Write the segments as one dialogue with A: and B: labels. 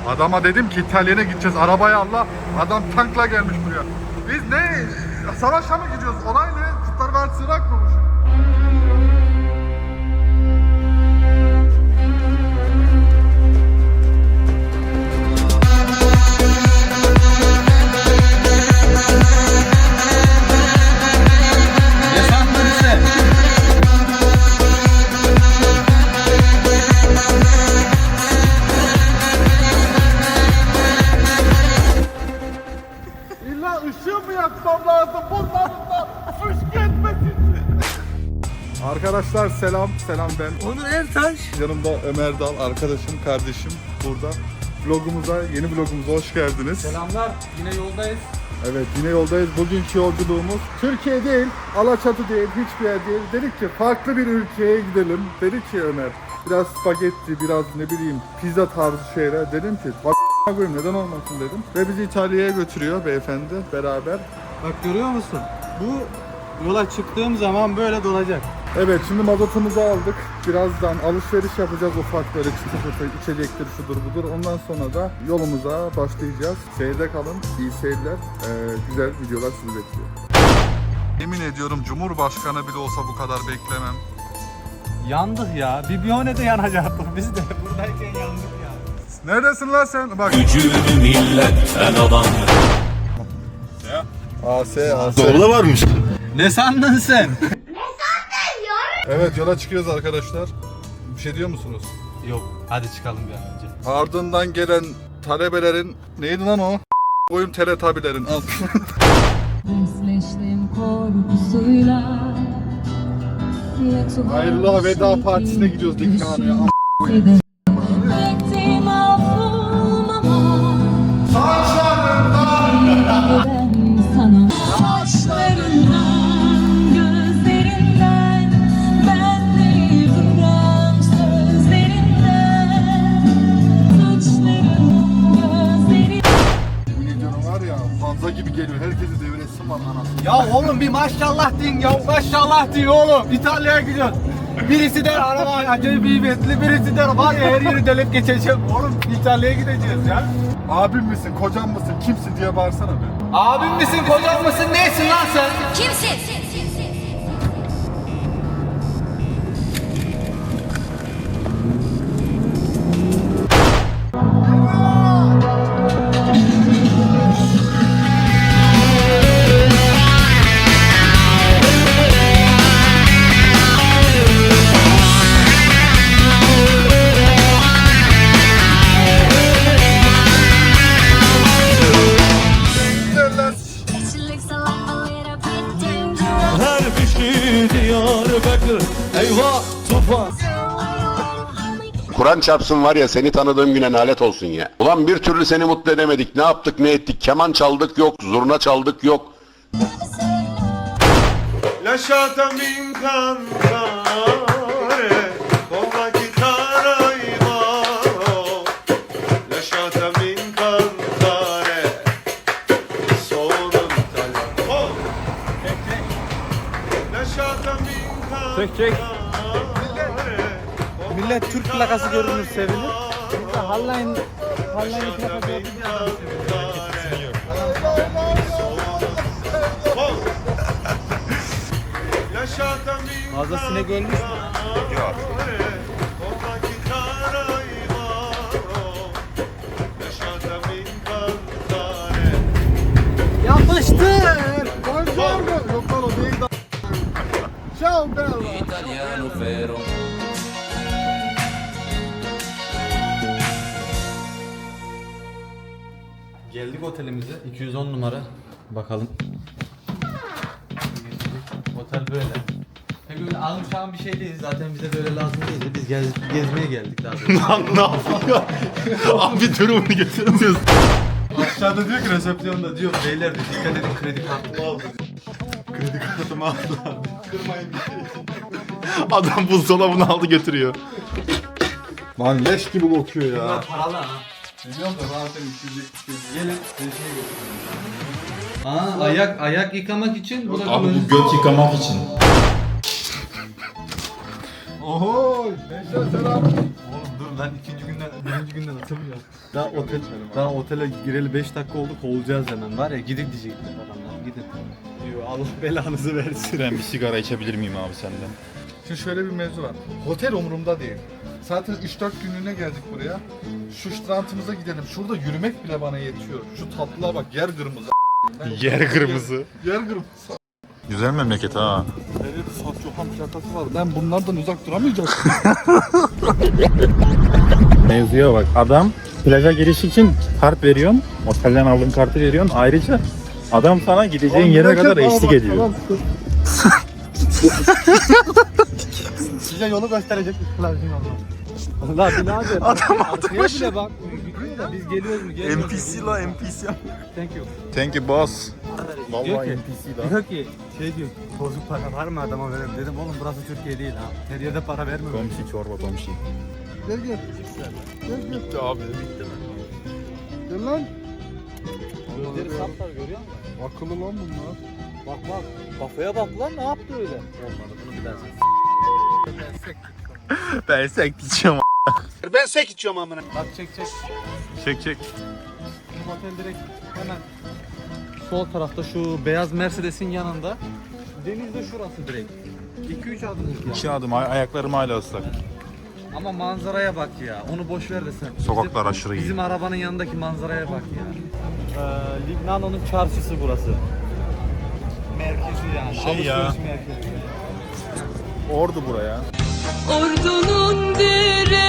A: Adama dedim ki İtalya'ya gideceğiz, arabayı Allah. Adam tankla gelmiş buraya. Biz ne? Savaşa mı gidiyoruz? Olay ne? Kurtlar Vadisi Irak mı bu şimdi? Arkadaşlar selam ben.
B: Onur Ertaş.
A: Yanımda Ömer Dal, arkadaşım, kardeşim burada. Yeni vlogumuza hoş geldiniz.
B: Selamlar. Yine yoldayız.
A: Evet, yine yoldayız. Bugünkü yolculuğumuz Türkiye değil, Alaçatı değil, hiçbir yer değil. Dedik ki farklı bir ülkeye gidelim. Dedik ki Ömer, biraz spagetti, biraz ne bileyim pizza tarzı şeyler. Dedim ki koyayım, neden olmasın dedim. Ve bizi İtalya'ya götürüyor beyefendi beraber.
B: Bak görüyor musun? Bu yola çıktığım zaman böyle dolacak.
A: Evet, şimdi mazotumuzu aldık. Birazdan alışveriş yapacağız, ufak böyle çıtı içecektir, şudur budur. Ondan sonra da yolumuza başlayacağız. Seyirde kalın, iyi seyirler. Güzel videolar sizi bekliyor. Yemin ediyorum Cumhurbaşkanı bile olsa bu kadar beklemem.
B: Yandık ya. Bibione'de yanacaktık biz de. Buradayken yandık ya.
A: Neredesin lan sen? Bak.
C: Gücünü milletten alan.
A: AS.
C: Doğru varmış.
B: Ne sandın sen?
A: Evet, yola çıkıyoruz arkadaşlar. Bir şey diyor musunuz?
B: Yok. Hadi çıkalım bir an önce.
A: Ardından gelen talebelerin neydi lan o? Koyun teletabilerin al.
D: Özleştim korkusuyla.
A: Hayırlı veda partisine gidiyoruz Dikkan'a.
D: Bektim affolmama. Ben sana saçlarından, gözlerinden, ben değil duran sözlerinden, saçların, gözlerin.
A: Bu videonun var ya, Hanza gibi geliyor. Herkesi devretsin var anasını.
B: Ya oğlum bir maşallah deyin ya. Maşallah deyin oğlum. İtalya'ya gidiyoruz. Birisi der araba acayip kıymetli, birisi der var ya her yeri delip geçeceğim. Oğlum İtalya'ya gideceğiz ya.
A: Abim misin, kocam mısın, kimsin diye bağırsana be.
B: Abim misin, kocam mısın, neysin lan sen?
D: Kimsin?
C: Her kişi Diyarbakır. Eyvah tufan.
E: Kur'an çarpsın var ya, seni tanıdığım güne nalet olsun ya. Ulan bir türlü seni mutlu edemedik. Ne yaptık ne ettik. Keman çaldık yok. Zurna çaldık yok.
C: Lasciatami incantare con la chitarra in mano. Lasciatami incantare. Sono italiano. Lasciatami
B: Çek, çek.
C: incantare.
B: Millet Türk plakası görünür sevinir. Hallayın plakası Fazla sinek ölmüş mü?
C: Yok.
B: Yapıştır.
A: Buongiorno. Yok lan o değil de. Ciao bella.
C: Italiano vero.
B: Geldik otelimize. 210 numara. Bakalım. Otel böyle. Pek öyle almışan bir şey değil. Zaten bize böyle lazım değildi. Biz gezmeye geldik daha doğrusu.
C: Ne yapıyor? Abi durumunu getiremiyoruz.
B: Aşağıda diyor ki resepsiyonda diyor beyler de dikkat edin kredi kartımı aldı. Kredi kartımı aldı abi. Kırmayın bir şey.
C: Adam buzdolabını aldı götürüyor.
A: Lan leş gibi kokuyor ya.
B: Bunlar paralı ha.
A: Biliyorum da zaten 200.
B: Gelin resmiye götürün. Ayak yıkamak için bu da
F: Abi bu göt yıkamak için.
A: Oho! Gençler selam.
B: Oğlum dur lan birinci günden atılmıyor. Daha otele gireli 5 dakika oldu, kovulacağız hemen. Var ya gidin diyecekler adamlar, gidin. Diyor Allah belanızı versin.
C: Ben bir sigara içebilir miyim abi senden?
A: Şimdi şöyle bir mevzu var. Otel umurumda değil. Zaten 3-4 günlüğüne geldik buraya. Şu strandımıza gidelim. Şurada yürümek bile bana yetiyor. Şu tatlıya bak, yer kırmızı.
C: Yer kırmızı.
A: Yer kırmızı.
C: Güzel memleket ha.
A: Nerede bir Satçohan plakası var. Ben bunlardan uzak duramayacağım.
C: Mevzuya bak. Adam plaja giriş için kart veriyorsun. Otelden aldığın kartı veriyorsun. Ayrıca adam sana gideceğin yere kadar eşlik ediyor.
B: Size yolu gösterecek ışıklar değil Allah. Allah birader. Adam arkaya bile bakmıyor. Gidiyor da biz geliyoruz mu? Gelmiyoruz
C: NPC la NPC.
B: Thank you.
C: Thank you boss.
B: Diyor
C: Vallahi
B: ki-
C: NPC la.
B: Diyor ki diyor bozuk para var mı adama verelim dedim oğlum burası Türkiye değil ha. Her yerde para vermiyor.
C: Komşi çorba komşi.
A: Gel gel. Gel gel.
C: Bitti abi.
A: Gel lan.
B: Gözleri saplar görüyor musun?
A: Akıllı lan bunlar.
B: Bak kafaya bak lan ne yaptı öyle? Olmadı bunu bir daha
C: Ben sek içiyorum.
B: Ben sek içiyorum amına. Bak çek.
C: Çek çek.
B: Bizim otel direkt hemen sol tarafta şu beyaz Mercedes'in yanında. Deniz de şurası direkt. 2-3 adımlık ya.
C: 2 adım ayaklarım hala ıslak.
B: Ama manzaraya bak ya. Onu boş ver de sen.
C: Sokaklar aşırı iyi.
B: Bizim arabanın yanındaki manzaraya bak ya. Lignano'nun çarşısı burası. Merkezi yani.
C: Şey ya.
B: Alışveriş merkezi.
C: Ordu buraya.
D: Ordunun direleri.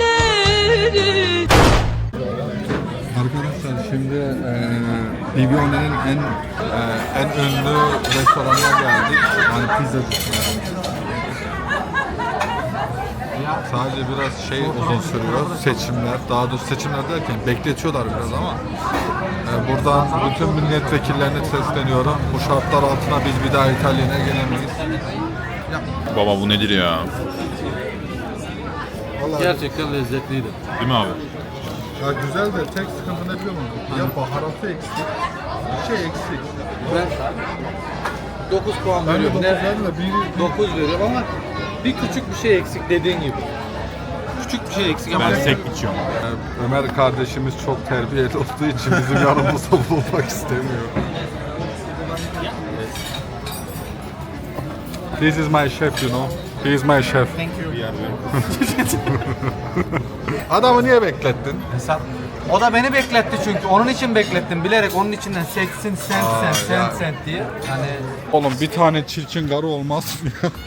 A: Arkadaşlar şimdi Livione'nin en ünlü restoranına geldik. Yani pizza sadece biraz uzun sürüyor seçimler. Daha doğrusu seçimler derken bekletiyorlar biraz ama buradan bütün milletvekillerine sesleniyorum. Bu şartlar altında biz bir daha İtalya'ya gelemeyiz.
C: Baba bu nedir ya?
A: Vallahi
B: Gerçekten lezzetliydi.
C: Değil mi abi?
A: ya güzel de tek sıkıntı ne biliyor musun? Ya baharatı eksik, bir şey eksik.
B: Ben 9 puan
A: Ben de
B: veriyorum.
A: 9 verdim de biri
B: 9 veriyorum ama bir küçük bir şey eksik dediğin gibi. Küçük bir şey eksik ama
C: Ben sek içiyorum.
A: Ömer kardeşimiz çok terbiyeli olduğu için bizim yanımızda bulunmak istemiyor. This is my chef, you know. He is my chef. Adamı niye beklettin?
B: Hesap. O da beni bekletti çünkü. Onun için beklettim. Bilerek onun içinden seksin sent diye. Hani
A: Oğlum bir tane çirkin karı olmaz mı ya?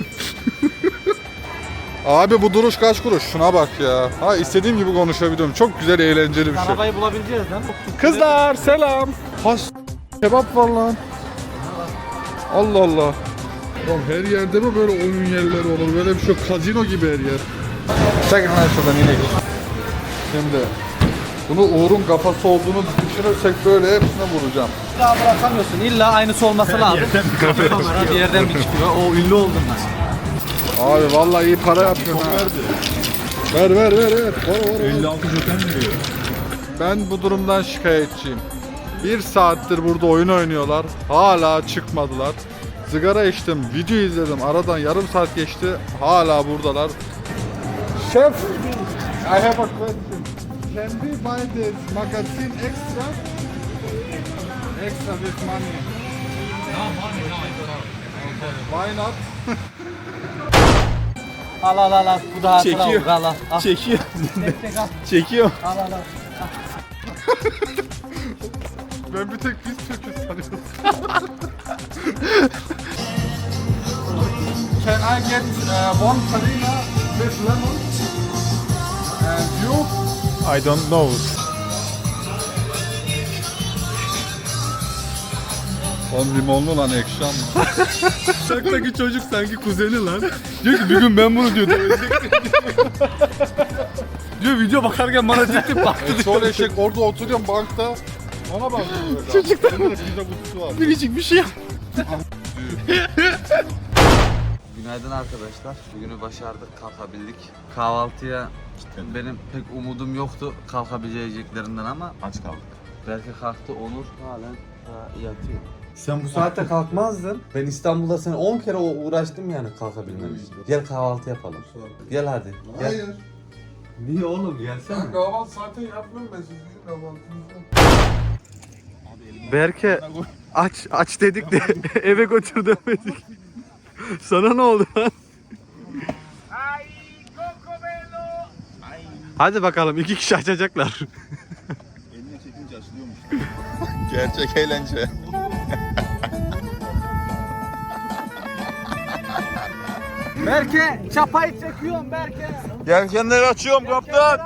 A: Abi bu duruş kaç kuruş? Şuna bak ya. Ha istediğim gibi konuşabiliyorum. Çok güzel, eğlenceli bir şey.
B: arabayı bulabileceğiz lan.
A: Kızlar selam. Has kebap var lan. Allah Allah. Oğlum her yerde mi böyle oyun yerleri olur? Böyle bir şey yok. Kazino gibi her yer. Çekin lan şuradan inek. Şimdi bunu Uğur'un kafası olduğunu düşünürsek böyle hepsine vuracağım.
B: Daha bırakamıyorsun. İlla aynısı olması lazım. Kamera bir yerden bir çıkıyor. O ünlü oldum ben.
A: Abi vallahi iyi para yapıyorsun ha. Ver. Var.
C: 56 joten veriyor.
A: Ben bu durumdan şikayetçiyim. 1 saattir burada oyun oynuyorlar. Hala çıkmadılar. Sigara içtim, video izledim. Aradan yarım saat geçti. Hala buradalar. Chef, I have a question. Can we buy this magazine extra? Extra with money. Why not?
B: Al. Bu da hatıra
C: Çekiyor.
B: olur. Al.
C: Çekiyor.
B: Tek al.
C: Çekiyor.
B: Al.
A: Ben bir tek biz Türk'üz sanıyorum. Can I get one farina with lemon? And you?
C: I don't know.
A: On limonlu lan ekşam.
C: Uçaktaki çocuk sanki kuzeni lan. Diyor ki bir gün ben bunu diyor. Diyor video bakarken bana ciddi baktı.
A: Çoğu eşek orada oturuyorum bankta. Ona bakıyorum. Çocuklar. Pizza kutusu var.
C: Biricik bir şey yap.
F: Günaydın arkadaşlar. Bugünü başardık, kalkabildik. Kahvaltıya benim pek umudum yoktu kalkabileceklerinden ama
C: Aç kaldık.
F: belki kalktı Onur halen yatıyor. Sen bu saatte kalkmazdın. Ben İstanbul'da seni 10 kere uğraştım yani kalkabilmem için. Gel kahvaltı yapalım. Gel hadi. Gel.
A: Hayır.
F: Niye oğlum gelsene.
A: Kahvaltı zaten yapmıyorum ben sizin kahvaltınızı.
B: Berke aç dedik de eve götür demedik. Sana ne oldu lan? Hadi bakalım 2 kişi açacaklar.
C: Eline çekince açılıyormuş. Gerçek eğlence.
B: Berke çapayı çekiyorum Berke.
C: Yelkenleri açıyorum kaptan.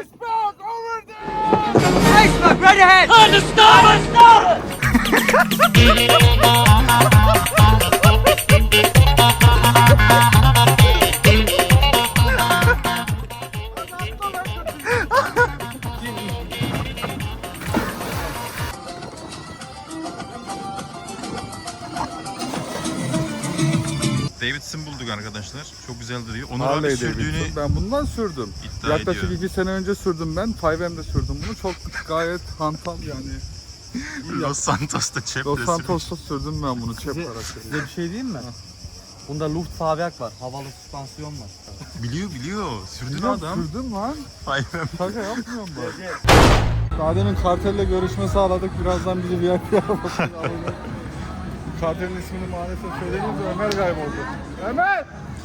C: Davidson bulduk arkadaşlar. Çok güzel duruyor. Onur abi
A: Harley
C: sürdüğünü
A: Davidson. Ben bundan sürdüm.
C: iddia
A: Yaklaşık
C: ediyor.
A: 2 sene önce sürdüm ben. 5M'de sürdüm bunu. Çok gayet hantal yani.
C: Los Santos'ta çep
A: Los
C: resmi.
A: Santos'ta sürdüm ben bunu çep
B: Size
A: karakteri.
B: bir şey diyeyim mi? Bunda Luftfahrwerk var. Havalı süspansiyon var.
C: Biliyor. Sürdün
A: Biliyorum,
C: adam.
A: sürdüm lan.
C: Aynen.
A: Şaka yapmıyorum ben. Daha demin kartelle görüşme sağladık. Birazdan bizi VIP arabasına alacak. Kartelin ismini maalesef söyleyince Ömer kayboldu. Ömer!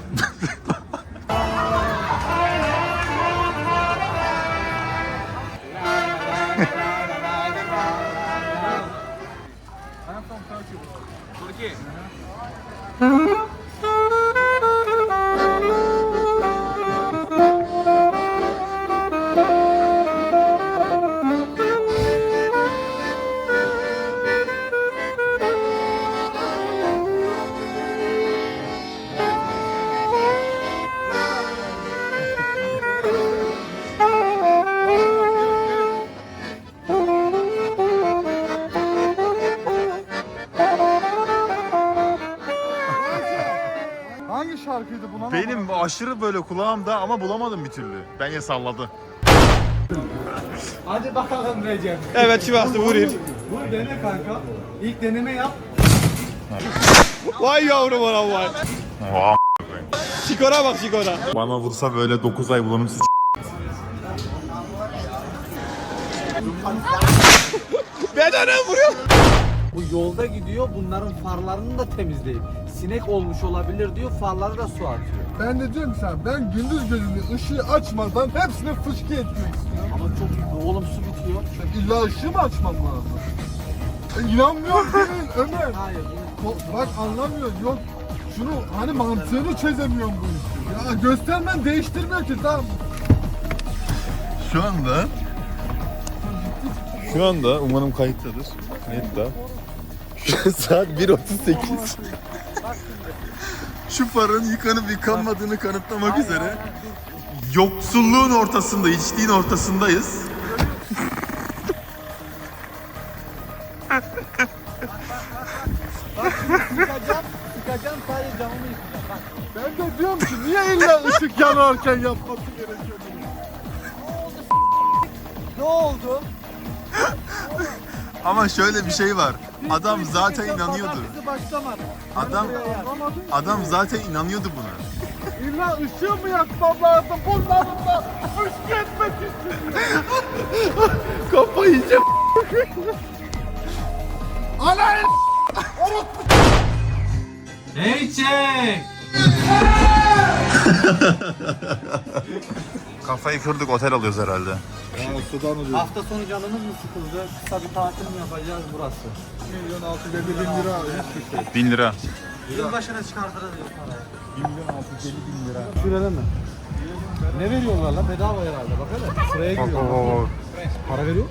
A: Hangi şarkıydı buna?
C: Benim aşırı böyle kulağımda ama bulamadım bir türlü. Bence salladı.
B: Hadi bakalım Recep.
G: Evet Sivaslı vurayım.
B: Vur dene kanka. İlk deneme yap.
G: Vay yavrum anam vay.
C: Oha.
G: Şikora bak şikora.
C: Bana vursa böyle 9 ay bulanım sıç.
G: Bedene vuruyor.
B: Bu yolda gidiyor, bunların farlarını da temizleyip sinek olmuş olabilir diyor, farları da su atıyor.
A: Ben de diyorum ki sana, ben gündüz gözünü ışığı açmadan hepsine fışkı etmek istiyorum.
B: Ama çok oğlum su bitiyor.
A: İlla ışığı mı açmam lazım? İnanmıyorum senin Ömer.
B: Hayır.
A: Bak anlamıyorsun, yok. Şunu hani mantığını çözemiyorum bu işi. Ya göstermen değiştirmiyor ki, tamam.
C: Şu anda umarım kayıttadır. Neydi Saat 1.38. Şu farın yıkanıp yıkanmadığını kanıtlamak üzere yoksulluğun ortasında, içtiğin ortasındayız.
B: Sıkacağım sadece camımı yıkayacağım. Bak.
A: Ben de diyorum ki niye illa ışık yanarken yapması gerekiyor?
B: Ne oldu?
C: Ama şöyle bir şey var. Adam zaten inanıyordu.
B: Bizi başlamadı.
C: Adam zaten inanıyordu buna.
A: İlla ışığı mı yakmam lazım? Bunların da fışkı etmek istiyor.
C: Kafayı yiyeceğim.
A: Ana
B: Hey çek!
C: Kafayı kırdık, otel alıyoruz herhalde.
A: Ya sudan oluyor.
B: Hafta sonu canımız mı sıkıldı? Kısa bir tatil mi yapacağız burası?
A: 1.650.000 lira hiçbir şey.
C: 1000 lira.
B: Yılbaşına çıkartırız diyor parayı.
A: 1.650.000 lira.
B: Şurada mı? Ne veriyorlar lan? Bedava herhalde. Bak hele. Sıraya giriyor. Para veriyor.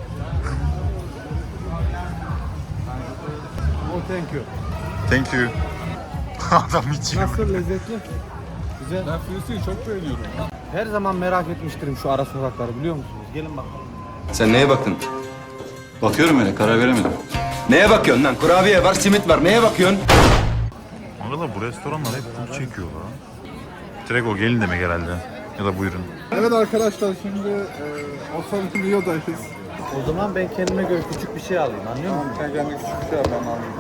B: Oh thank you.
C: Thank you. Adam içiyor.
B: Nasıl lezzetli? Güzel.
A: Ben Filistin'i çok beğeniyorum.
B: Her zaman merak etmiştirim şu ara sokakları biliyor musunuz? Gelin bakalım.
H: Sen neye baktın? Bakıyorum öyle, karar veremedim. Neye bakıyorsun lan? Kurabiye var, simit var. Neye bakıyorsun?
C: Arkadaşlar bu restoranlar hep bunu çekiyor lan. Direkt o gelin demek herhalde. Ya da buyurun.
A: Evet arkadaşlar, şimdi Osaka Rio'dayız.
B: O zaman ben kendime göre küçük bir şey alayım, anlıyor musun?
A: Sen kendine küçük bir şey yap, ben alayım.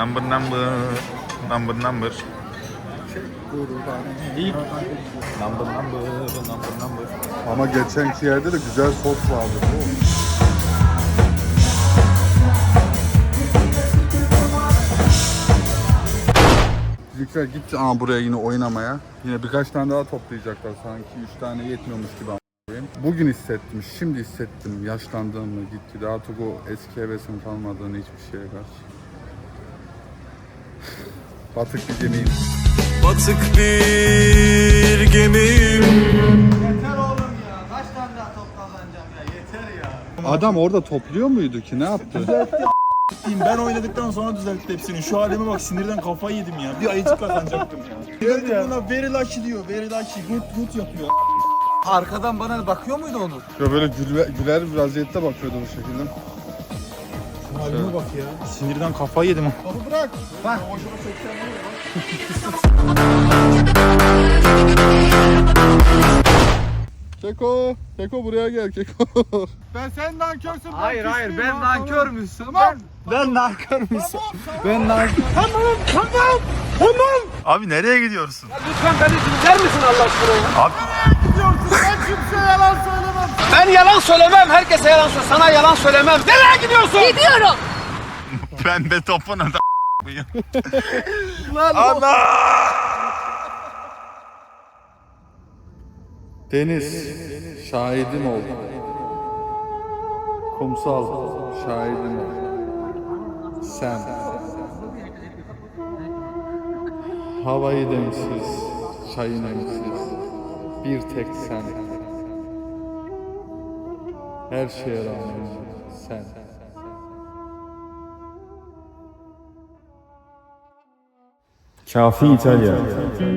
C: Number.
B: İlk
C: Number.
A: Ama geçenki yerde de güzel sos vardı. Bu. Bizimkiler gitti buraya yine oynamaya. Yine birkaç tane daha toplayacaklar sanki. 3 tane yetmiyormuş gibi a**ayım. Bugün hissettim, şimdi hissettim yaşlandığımı gitti. Artık o eski hevesim kalmadığını hiçbir şeye karşı. Batık bir gemiyim.
G: Batık bir gemiyim.
B: yeter oğlum ya. Kaç tane daha top kazanacağım ya? Yeter ya.
A: Adam orada topluyor muydu ki? Ne yaptı?
I: Ben oynadıktan sonra düzeltti hepsini. Şu halime bak, sinirden kafayı yedim ya. Bir ayıcık kazanacaktım ya. Geldi buna very lucky diyor. Very lucky. Good yapıyor.
B: Arkadan bana bakıyor muydu Onur?
A: Ya böyle güler bir vaziyette bakıyordu bu şekilde.
I: Şu halime bak ya. Sinirden kafayı yedim.
A: Topu bırak.
B: Bak.
A: Keko buraya gel Keko. Ben sen nankörsün.
B: Hayır ben nankör müsün? Ben nankör müsün? Ben nankör.
C: Abi nereye gidiyorsun?
B: Lütfen beni dinler misin Allah aşkına?
C: Abi
A: Ben kimseye yalan söylemem.
B: Ben yalan söylemem. Herkese yalan söylemem. Sana yalan söylemem. Nereye gidiyorsun?
D: Gidiyorum.
C: ben de topuna da
A: Ana! Deniz, şahidim ol. Kumsal, şahidim ol. Sen. Havayı demsiz, çayın emsiz. Bir tek sen. Her şeye rağmen sen.
C: Kafi İtalya.